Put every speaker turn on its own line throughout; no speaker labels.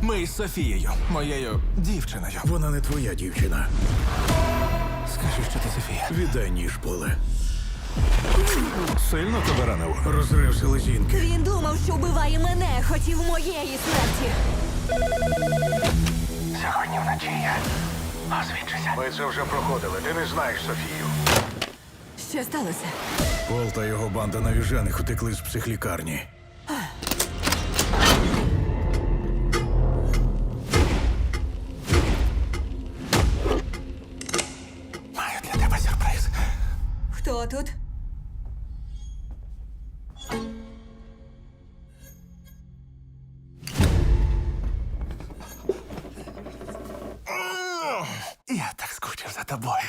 Ми із Софією, моєю дівчиною.
Вона не твоя дівчина.
Скажи, що ти Софія.
Віддай ніж, Поле.
Сильно тебе ранив?
Розрив селезінки.
Він думав, що вбиває мене, хотів моєї смерті.
Сьогодні вночі я освідчуся.
Ми це вже проходили. Ти не знаєш Софію.
Що сталося?
Пол та його банда навіжених утекли з психлікарні.
Маю для тебе сюрприз.
Хто тут?
Я так скучив за тобою.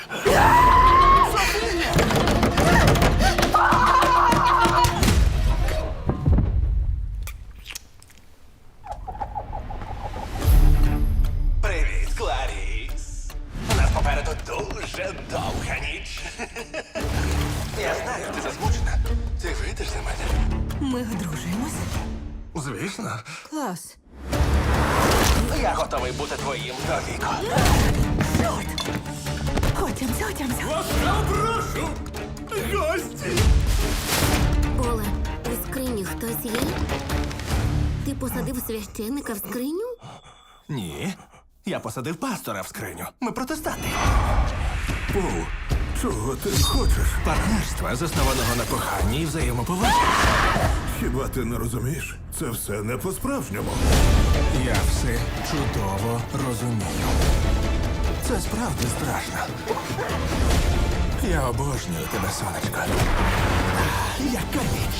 Привіт, Кларіс. У нас попереду дуже довга ніч. Я знаю, ти засмучена. Ти вийдеш за мене?
Ми одружуємось?
Звісно.
Клас.
Я готовий бути твоїм до віку.
Чорт! Отямся.
Прошу! Гості!
Поле, у скрині хтось є? Ти посадив священника в скриню?
Ні. Я посадив пастора в скриню. Ми протестанти.
Пол, чого ти хочеш?
Партнерства, заснованого на коханні і взаємоповазі.
Хіба ти не розумієш? Це все не по-справжньому.
Я все чудово розумію. Це справді страшно. Я обожнюю тебе, сонечко. Яка ніч!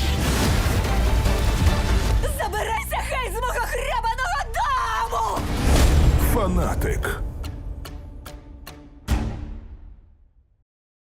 Забирайся хай з мого хребаного дому!
Фанатик.